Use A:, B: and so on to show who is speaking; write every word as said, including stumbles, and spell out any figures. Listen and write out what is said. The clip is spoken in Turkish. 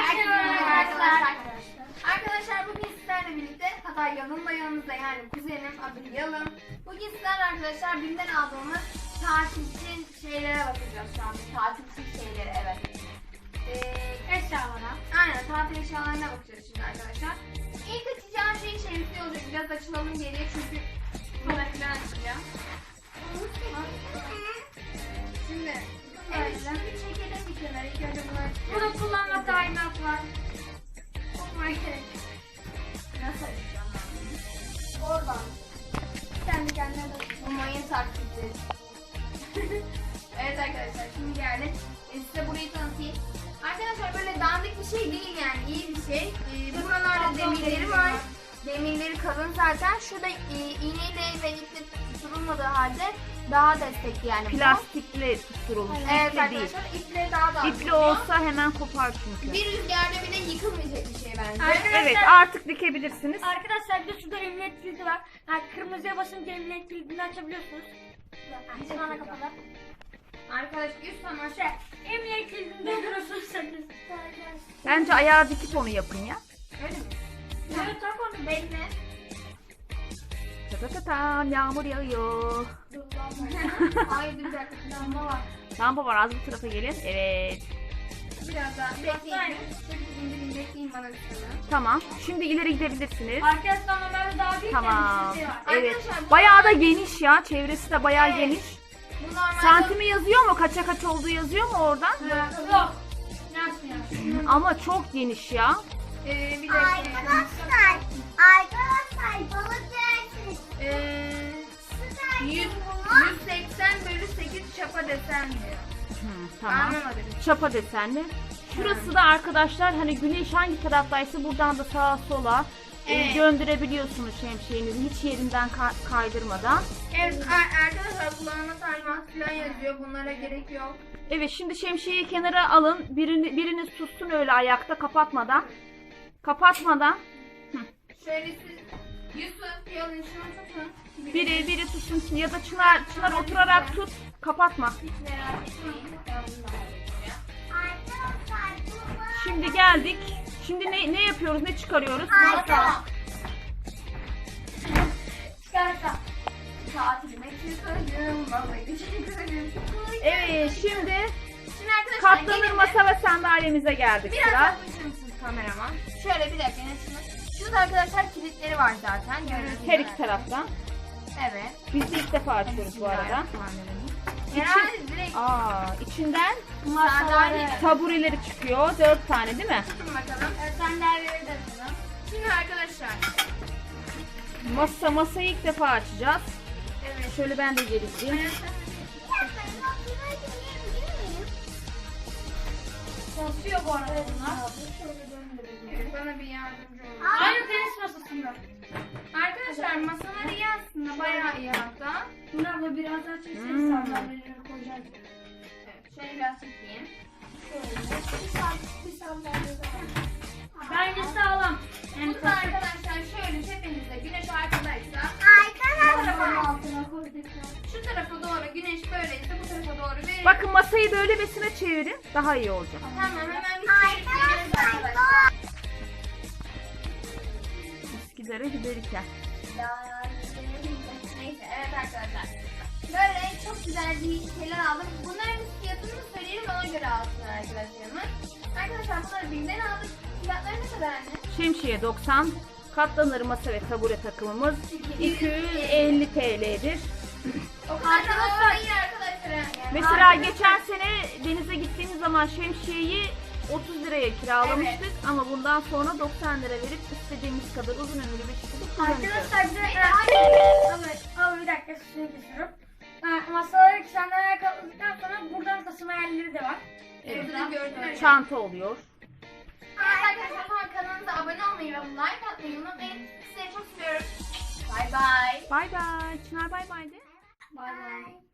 A: Herkese merhaba arkadaşlar. Arkadaşlar bugün sizlerle birlikte, hatta Yalın da yanımızda, yani kuzenim adı Yalın. Bugün sizlerle arkadaşlar BİM'den aldığımız tatil için şeylere bakacağız şu an. Tatil için şeylere, evet. Ee, eşyalara. Aynen, tatil eşyalarına bakacağız şimdi arkadaşlar. İlk açacağım şey şemsiye olacak. Biraz açılalım geriye çünkü sonra filan açacağım. Şimdi evet, şunu bir çekelim bir kenara. İlk önce bunu açacağım.
B: Burada kullanma talimat var.
A: Okuma gerek. Nasıl açacağım ben bunu? Oradan.
B: Kendi kendine de.
A: Bu mayın taklidi. Evet arkadaşlar, şimdi geldik. E, size burayı tanıtayım. Arkadaşlar böyle dandik bir şey değil, yani iyi bir şey. E, buralarda demirleri var. Demirleri kalın zaten. Şurada e, iğneyle ve iple tutturulmadığı halde daha destekli yani.
C: Plastikle tutturulmuş.
A: Evet
C: iple
A: arkadaşlar, iple daha da
C: İpli
A: tutuyor.
C: olsa hemen kopar çünkü.
A: Bir rüzgarda bile yıkılmayacak bir şey bence.
B: Arkadaşlar-
C: Evet, artık dikebilirsiniz.
B: Arkadaşlar bir de şurada emniyet kilidi var. Yani kırmızıya basınca emniyet kilidini açabiliyorsunuz. Bizim ana kapalı.
A: Arkadaş üst sana
B: Şey, emniyet kilidini dolduruyorsunuz sen.
C: Bence ayağı dikip onu yapın ya.
A: öyle mi?
B: Evet, tak onu.
A: Bekle.
C: Tatatatam, yağmur yağıyor.
A: Ay dur bir dakika, lamba var.
C: Lamba var, az bu tarafa gelin. Evet.
A: Biraz daha bekleyin. Dur indireyim, bekleyin bana bir sene.
C: Tamam. Şimdi ileri gidebilirsiniz.
B: Arkadaşlar normalde daha büyük
C: Tamam.
B: bir şey var.
C: Evet.
A: Arkadaşlar, bu-
C: Bayağı da geniş ya. Çevresi de bayağı
A: Evet.
C: geniş.
A: Bu normalde...
C: Santimi yazıyor mu? Kaça kaç olduğu yazıyor mu oradan?
B: Yok. Nasıl ya?
C: Ama çok geniş ya.
A: Ee, bir dakika.
D: Arkadaşlar, arkadaşlar balık dersiniz.
A: Ee, yüz, yüz seksen bölü sekiz çapa desen diyor.
C: Hı, tamam.
A: Anlamadım.
C: Çapa desenli. Şurası da arkadaşlar, hani güneş hangi taraftaysa buradan da sağa sola e,
A: Evet.
C: döndürebiliyorsunuz şemsiyenizi hiç yerinden ka- kaydırmadan.
A: Evet ar- arkadaşlar, kullanma talimatı falan yazıyor. Bunlara gerek yok.
C: Evet, şimdi şemsiyeyi kenara alın. Birini, biriniz tutsun öyle ayakta, kapatmadan. Kapatmadan.
A: Şöyle siz Yusuf, Yalın şunu tutun.
C: Biri biri tutsun ya da Çınar, Çınar oturarak tut. Kapatma.
A: Hiç merak etmeyin. Ben bunu da halledeceğim.
D: Arkadaşlar bu balık.
C: Şimdi geldik. Şimdi ne ne yapıyoruz? Ne çıkarıyoruz?
A: Tamam.
B: Çıkarsa.
A: Tatilime çıkarım, babayı çıkarım.
C: Evet, şimdi
A: Şimdi arkadaşlar
C: katlanır
A: gelin de-
C: masa ve sandalyemize geldik
A: Biraz
C: sıra.
A: yaklaşır mısınız kameraman? Şöyle bir dakika, şunu. Şurada arkadaşlar kilitleri var zaten. Gördüğünüz
C: Her
A: gibi.
C: iki taraftan.
A: Evet.
C: Biz de ilk defa açıyoruz bu arada.
A: Herhalde direkt
C: Aa, içinden
A: sandalye.
C: tabureleri çıkıyor. Dört tane değil mi?
A: Tutun bakalım.
B: Sandalyeleri de atalım.
A: Şimdi arkadaşlar.
C: Masa masayı ilk defa açacağız.
A: Evet.
C: Şöyle ben de geleceğim.
B: Basıyor bu arada bunlar.
A: Evet, bana bir yardımcı olun.
B: Aynı tenis masasında.
A: Arkadaşlar masaları iyi aslında, bayağı iyi hatta.
B: Bunlar da biraz daha çekseniz
C: Hmm.
B: sandalyeleri koyacağız.
A: Evet, şöyle biraz çekeyim.
B: Bence sağlam. Yani
A: Bu da arkadaşlar şöyle tepemizde güneş arkadaysa
D: Arkadaşlar.
B: altına koyduk.
A: şu tarafa doğru, güneş böyleyse bu tarafa doğru verin.
C: Bakın masayı böyle besine çevirin. Daha iyi olacak.
A: Tamam, hemen bir çevirip geliyoruz arkadaşlar.
C: Eskilere giderken.
A: Neyse, evet arkadaşlar. Böyle çok güzel bir şeyler aldım. Bunların fiyatını da söyleyelim, ona göre alsınlar arkadaşlarımız. Arkadaşlar bunları BİM'den aldık. Fiyatları ne kadar anne?
C: Şemsiye doksan. Katlanır masa ve tabure takımımız iki yüz elli T L'dir.
A: O kadar da değil arkadaşlar. Yani.
C: Mesela geçen sene denize gittiğimiz zaman şemsiyeyi otuz liraya kiralamıştık ama bundan sonra doksan lira verip istediğimiz kadar uzun ömürlü bir şekilde kullanacağız.
B: Arkadaşlar bir de ama, ama bir dakika şunu kesiyorum. Ha, masaları sandalye katladıktan sonra buradan taşıma yerleri de var.
A: Evet, burada gördüğünüz
C: Çanta oluyor.
A: Evet arkadaşlar, kanalımıza abone olmayı ve like atmayı unutmayın. Sizi çok seviyorum. Bye bye.
C: Bay bay. Çınar bay bay de.
A: Bye bye.